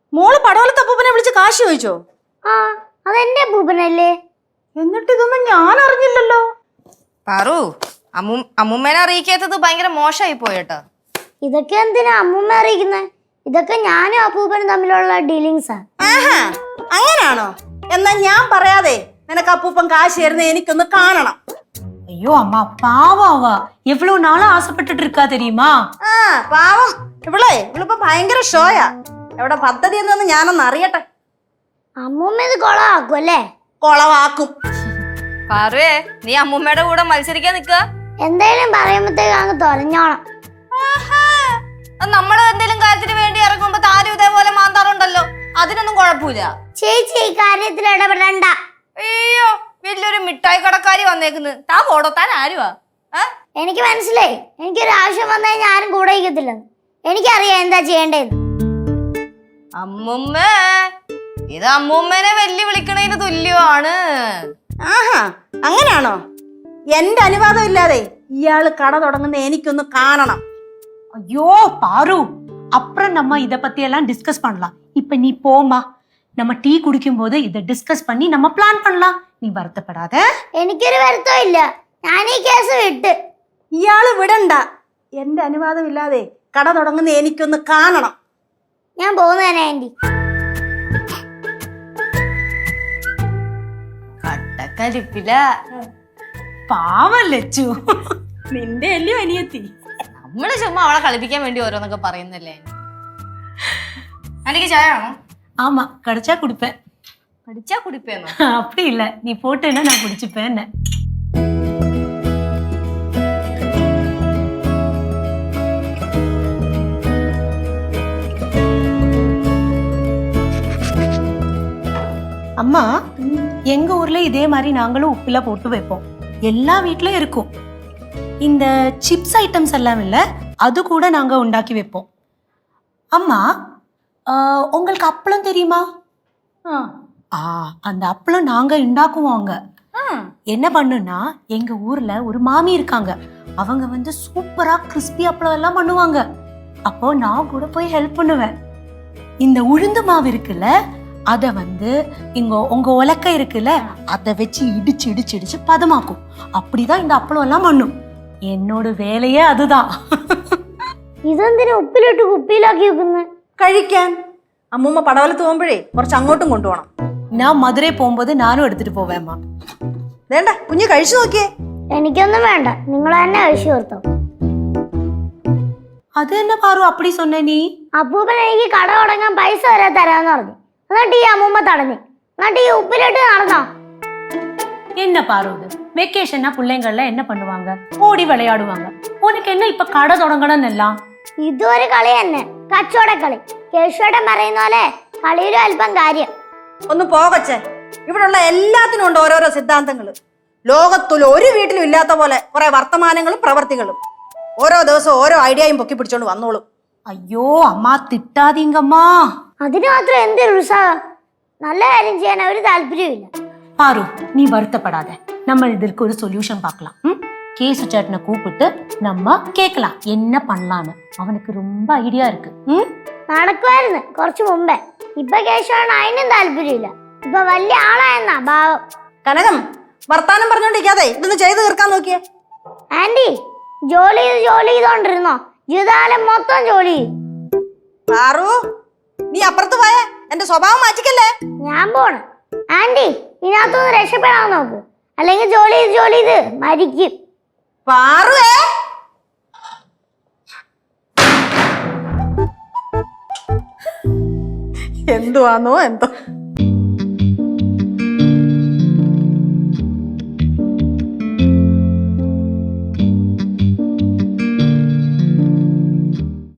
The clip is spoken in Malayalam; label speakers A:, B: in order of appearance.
A: മോള് പടവലത്തെ അപ്പൂപ്പനെ വിളിച്ച് കാശ് ചോദിച്ചോ?
B: ആ, അതെന്റെ അപ്പൂപ്പനല്ലേ.
A: എന്നിട്ട് ഇതൊന്നും ഞാൻ അറിഞ്ഞില്ലല്ലോ.
C: പാറു, അമ്മൂമ്മേനെ അറിയിക്കാത്തത് ഭയങ്കര മോശമായി പോയേട്ടാ.
B: ഇതൊക്കെ എന്തിനാ അമ്മൂമ്മ അറിയിക്കുന്നേ? ഇതൊക്കെ ഞാനും അപ്പൂപ്പനും തമ്മിലുള്ള ഡീലിങ്സാ.
A: ആഹാ, അങ്ങനാണോ? എന്നാ ഞാൻ പറയാതെ നിനക്ക് അപ്പൂപ്പൻ കാശ് തരുന്ന എനിക്കൊന്ന് കാണണം.
D: ஐயோ அம்மா பாவாவா எவ்வளவு நாளா ஆசைப்பட்டுட்டு இருக்கா தெரியுமா?
A: ആ പാവം ഇവളിപ്പോ ഭയങ്കര ഷോയാ. എവിടെ പദ്ധതി എന്നൊന്ന് ഞാനൊന്ന് അറിയട്ടെ.
B: അമ്മൂമ്മ ഇത് കൊളമാക്കും അല്ലേ?
A: കൊളവാക്കും.
C: പാറുവേ, നീ അമ്മൂമ്മയുടെ കൂടെ മത്സരിക്കാൻ നിക്ക?
B: എന്തേലും പറയുമ്പത്തേക്ക് അങ്ങ് തൊലഞ്ഞോണം.
C: നമ്മള് എന്തെങ്കിലും കാര്യത്തിന് വേണ്ടി ഇറങ്ങുമ്പോ താരും ഇതേപോലെ മാന്താറുണ്ടല്ലോ, അതിനൊന്നും കുഴപ്പമില്ല.
B: ചേച്ചി ഈ കാര്യത്തിൽ ഇടപെടണ്ട.
C: അയ്യോ, വലിയൊരു മിഠായി കടക്കാരി വന്നേക്കുന്നു. താ പോടോ, താൻ ആരുവാ?
B: എനിക്ക് മനസ്സിലായി, എനിക്കൊരു ആവശ്യം വന്നു കഴിഞ്ഞാൽ ആരും കൂടെ ഇരിക്കത്തില്ലെന്ന്. എനിക്കറിയാം എന്താ ചെയ്യേണ്ടതെന്ന്.
C: അമ്മുമ്മ, ഇത് അമ്മൂമ്മേനെ വെല്ലു വിളിക്കണതിന് തുല്യമാണ്.
A: ആഹാ, അങ്ങനാണോ? എന്റെ അനുവാദം ഇല്ലാതെ ഇയാള് കട തുടങ്ങുന്ന എനിക്കൊന്ന് കാണണം.
D: ஐயோ பாரு, அப்புறம் நம்ம இத பத்தி எல்லாம் டிஸ்கஸ் பண்ணலாம். இப்ப நீ போமா, நம்ம டீ குடிக்கும் போது இத டிஸ்கஸ் பண்ணி நம்ம பிளான் பண்ணலாம். நீ வருத்தப்படாத.
B: എനിക്കൊരു വരുത്തവും ഇല്ല, ഞാൻ ഈ കേസ് വിട്ട്.
A: ഇയാള് വിടണ്ട. എന്റെ അനുവാദം ഇല്ലാതെ കട തുടങ്ങുന്ന എനിക്കൊന്ന് കാണണം.
B: ഞാൻ പോകുന്നതന്നെ ആന്റി.
C: കട്ടക്കരിപ്പില.
D: பாவம் லெச்சு, നിന്റെ അല്ലയോ അനിയത്തി.
C: നമ്മള് ചുമ്മാ അവളെ കളിപ്പിക്കാൻ വേണ്ടി ഓരോന്നൊക്കെ പറയുന്നല്ലേ. എനിക്ക് ചായ ആണോ?
D: ஆமா, கிடைச்சா குடிப்பேன்.
C: പഠിച്ചാ കുടിപ്പേന്നോ?
D: அப்படி இல்ல, நீ போட்டேன்னா நான் குடிச்சுப்பேன். அம்மா, எங்க ஊர்ல இதே மாதிரி நாங்களும் உப்புல போட்டு வைப்போம். எல்லா வீட்லயும் இருக்கும். இந்த சிப்ஸ் ஐட்டம்ஸ் எல்லாம் இல்ல, அது கூட நாங்க உண்டாக்கி வைப்போம். அம்மா, உங்களுக்கு அப்பளம் தெரியுமா? அந்த அப்பளம் நாங்க உண்டாக்குவோங்க. என்ன பண்ணுனா, எங்க ஊர்ல ஒரு மாமி இருக்காங்க. அவங்க வந்து சூப்பரா கிறிஸ்பி அப்பளம் எல்லாம் பண்ணுவாங்க. அப்போ நான் கூட போய் ஹெல்ப் பண்ணுவேன். இந்த உளுந்து மாவு இருக்குல்ல, அத வந்து உங்க உலக்க இருக்குல்ல, அத வச்சு இடிச்சு இடிச்சு இடிச்சு பதமாக்கும். அப்படிதான் இந்த அப்பளம் எல்லாம் பண்ணும். എന്നോട് വേലയേ അതുതാ.
B: ഇതെന്തിനാ ഉപ്പിലിട്ട് കുപ്പിയിലാക്കി വെക്കുന്നത്?
A: കഴിക്കാൻ. അമ്മൂമ്മ പടവലത്ത് പോകുമ്പോഴേ കുറച്ച് അങ്ങോട്ടും കൊണ്ടുപോകണം.
D: ഞാൻ മധുരയിൽ പോകുമ്പോൾ ഞാനും എടുത്തിട്ട് പോവേമ്മ.
A: വേണ്ട, കുഞ്ഞ് കഴിച്ചു നോക്കിയേ.
B: എനിക്കൊന്നും വേണ്ട, നിങ്ങൾ തന്നെ കഴിച്ചു തീർത്തോ.
D: അത് തന്നെ പാറു, അപ്പടി சொன்ன നീ.
B: അപ്പൂപ്പൻ എനിക്ക് കട തുടങ്ങാൻ പൈസ വരെ തരാന്ന് പറഞ്ഞു. എന്നിട്ട് ഈ അമ്മൂമ്മ തടഞ്ഞു. എന്നിട്ട് ഈ ഉപ്പിലിട്ട് നടന്നോ?
D: என்ன பாரு, இது வெக்கேஷன்னா பிள்ளைங்கள்ல என்ன பண்ணுவாங்க? ஓடி விளையாடுவாங்க. உனக்கு என்ன இப்ப கடை தொடங்கணும் எல்லாம்?
B: ഇതൊരു കളി തന്നെ, കച്ചവടക്കളി. കേശുവേട്ടൻ പറയുന്ന പോലെ കളിയിലും അല്പം കാര്യം.
A: ഒന്ന് പോകച്ചേ. ഇവിടെയുള്ള എല്ലാത്തിനും ഉണ്ട് ഓരോരോ സിദ്ധാന്തങ്ങള്. ലോകത്തിൽ ഒരു വീട്ടിലും ഇല്ലാത്ത പോലെ കുറെ വർത്തമാനങ്ങളും പ്രവർത്തികളും. ഓരോ ദിവസം ഓരോ ഐഡിയയും പൊക്കി പിടിച്ചോണ്ട് വന്നോളും.
D: അയ്യോ അമ്മ, തിട്ടാതീങ്കമ്മാ.
B: അതിന് മാത്രം എന്തൊരു ഉത്സാഹം. നല്ല കാര്യം ചെയ്യാൻ ഒരു താല്പര്യമില്ല.
D: பாரு, நீ வருத்தப்படாத. நம்ம இதற்கு ஒரு சொல்யூஷன் பார்க்கலாம். கேசு சேட்டனை கூப்பிட்டு நம்ம கேட்கலாம் என்ன பண்ணலான்னு. அவனுக்கு ரொம்ப ஐடியா இருக்கு.
B: നടക്കുമായിരുന്നു കുറച്ചു മുമ്പേ. ഇപ്പൊ കേശുവേട്ടൻ അതിനും താല്പര്യമില്ല. ഇപ്പൊ വലിയ ആളായെന്നാ ഭാവം.
A: കനകം, വർത്താനം പറഞ്ഞോണ്ടിരിക്കാതെ ഇതൊന്ന് ചെയ്ത് തീർക്കാൻ നോക്കിയേ.
B: ആന്റി, ജോലി ചെയ്തോണ്ടിരുന്നോ? ജീവിതകാലം മൊത്തം ജോലി ചെയ്യും.
A: പാറു, നീ അപ്പുറത്ത് പോയേ. എന്റെ സ്വഭാവം മാറ്റിക്കല്ലേ.
B: ഞാൻ പോണ്. ആന്റി, ഇതിനകത്തൊന്ന് രക്ഷപ്പെടാൻ നോക്ക്, അല്ലെങ്കിൽ ജോലി ചെയ്ത് മരിക്കും.
A: പാറുവേ, എന്തുവാന്നോ എന്തോ.